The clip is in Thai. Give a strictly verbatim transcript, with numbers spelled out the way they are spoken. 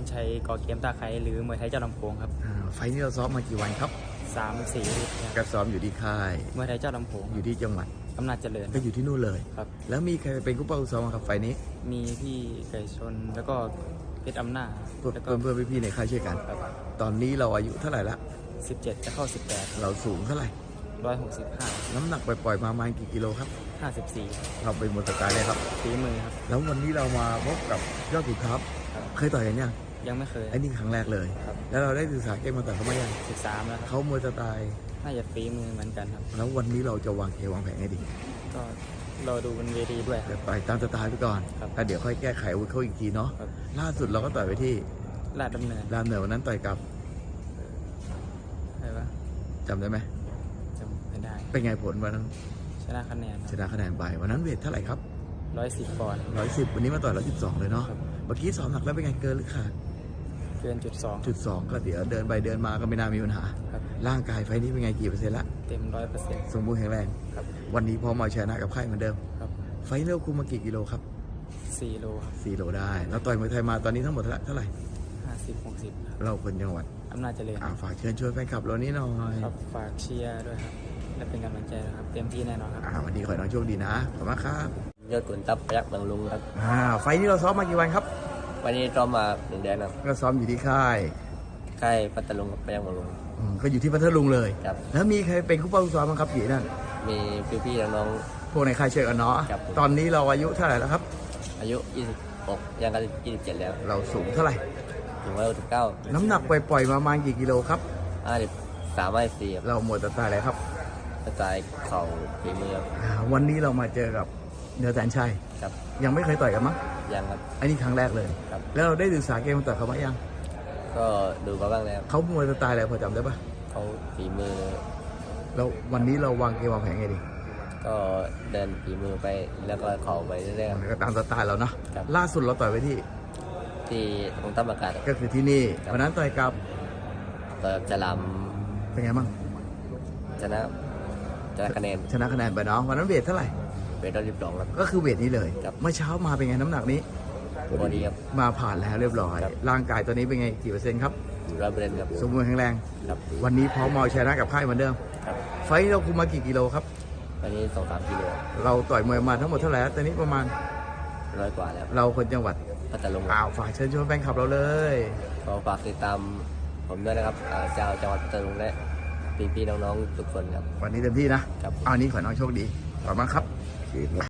ชัยก่อเกียมตาไคร้หรือมวยไทยเจ้าลำโพงครับอ่าไฟล์นี้เราซ้อมมากี่วันครับสามสี่ก็ซ้อมอยู่ที่ค่ายมวยไทยเจ้าลำโพงอยู่ที่จังหวัดอำนาจเจริญก็อยู่ที่นู่นเลยครับแล้วมีใครเป็นคู่เป้าคู่ซ้อมครับไฟล์นี้มีพี่ไก่ชนแล้วก็เพชรอำนาจแล้วก็เพื่อนๆพี่ๆในค่ายช่วยกันตอนนี้เราอายุเท่าไหร่ละสิบเจ็ดจะเข้าสิบแปดเราสูงเท่าไหร่ร้อยหกสิบห้าน้ำหนักปล่อยๆมาประมาณกี่กิโลครับห้าสิบสี่เราเป็นมวยสไตล์เลยครับฝีมือครับแล้ววันนี้เรามาพบกับยอดขุนทัพเคยต่อยกันยังยังไม่เคยไอ้นี่ครั้งแรกเลยแล้วเราได้ศึกษาเกมมาต่อยเขาไหมยังศึกษาแล้วเขามวยสไตล์น่าจะฝีมือเหมือนกันครับแล้ววันนี้เราจะวางเกมวางแผนให้ดีก็เราดูบนเวทีด้วยเดี๋ยวต่อยตามสไตล์ไปก่อนแล้วเดี๋ยวค่อยแก้ไขอาวุธเขาอีกทีเนาะล่าสุดเราก็ต่อยไปที่ลาดดำเนินลาดดำเนินวันนั้นต่อยกับอะไรวะจำได้ไหมจำไม่ได้เป็นไงผลวันนั้นชนะคะแนนชนะคะแนนไปวันนั้นเวทเท่าไหร่ครับร้อยสิบปอนด์ร้อยสิบวันนี้มาต่อยร้อยสิบสองเลยเนาะเมื่อกี้สอบหนักแล้วเป็นไงเกินหรือขาดเกินจุดสองจุดสองก็เดี๋ยวเดินไปเดินมาก็ไม่น่ามีปัญหาร่างกายไฟนี้เป็นไงกี่เปอร์เซ็นต์ละเต็มร้อยเปอร์เซ็นต์สมบูรณ์แข็งแรงวันนี้พอมาชนะกับค่ายเหมือนเดิมไฟเร็วคุมมากี่กิโลครับสี่โลครับสี่โลได้แล้วต่อยมวยไทยมาตอนนี้ทั้งหมดเท่าไหร่ห้าสิบหกสิบเราคนจังหวัดอำนาจเจริญฝากเชิญชวนแฟนคลับเรานี้หน่อยครับฝากเชียร์ด้วยครับและเป็นกำลังใจนะครับเต็มที่แน่นอนครับวันนี้ขอให้น้องโชคดีนะขอบคุณมากครับยอดขุนทัพพยัคฆ์บางลุงครับอ่าไฟนี้เราซ้อมมากี่วันครับวันนี้ซ้อมมาหนึ่งเดือนครับก็ซ้อมอยู่ที่ค่ายค่ายพัทลุงกับพยัคฆ์บางลุงก็อยู่ที่พัทลุงเลยครับแล้วมีใครเป็นคู่เป้าคู่ซ้อมบ้างครับพี่นั่นมีพี่ๆน้องๆพวกในค่ายเชียร์กันเนาะตอนนี้เราอายุเท่าไหร่แล้วครับอายุยี่สิบหกยังกันยี่สิบเจ็ดแล้วเราสูงเท่าไหร่ถึงร้อยหกสิบเก้าน้ำหนักปล่อยๆมาประมาณกี่กิโลครับห้าสิบสามห้าสี่เราหมดตาตายอะไรครับกระจายเข่าฝีมือวันนี้เรามาเจอกับเนื้อแสนชัยครับยังไม่เคยต่อยกันมั้งยังครับอันนี้ครั้งแรกเลยครับแล้วเราได้ศึกษาเกมต่อยเขาไหมยังก็ดูมาบ้างแล้วเขามวยสไตล์อะไรพอจำได้ปะเขาฝีมือแล้ววันนี้เราวางเกมวางแผนไงดีก็เดินฝีมือไปแล้วก็เข่าไปเรื่อยๆก็ตามสไตล์เราเนาะล่าสุดเราต่อยไปที่ที่ตรงตั้มอากาศก็คือที่นี่วันนั้นต่อยกับต่อยกับจะลำเป็นไงบ้างชนะชนะคะแนนชนะคะแนนไปเนาะวันนั้นเวทเท่าไหร่เวทร้อยสิบสองครับก็คือเวทนี้เลยเมื่อเช้ามาเป็นไงน้ำหนักนี้พอดีครับมาผ่านแล้วเรียบร้อยร่างกายตอนนี้เป็นไงกี่เปอร์เซ็นต์ครับร้อยเปอร์เซ็นต์ครับสมบูรณ์แข็งแรงวันนี้พร้อมมาชนะกับค่ายเหมือนเดิมไฟเราคุมมากี่กิโลครับวันนี้สองสามกิโลเราต่อยมวยมาทั้งหมดเท่าไหร่ตอนนี้ประมาณร้อยกว่าแล้วเราคนจังหวัดพัทลุงอ้าวฝากเชิญชวนแฟนคลับเราเลยขอฝากติดตามผมด้วยนะครับเจ้าจังหวัดพัทลุงและพี่ๆน้องๆทุกคนครับวันนี้เต็มที่นะครับอันนี้ขอน้องโชคดีขอบคุณมากครับ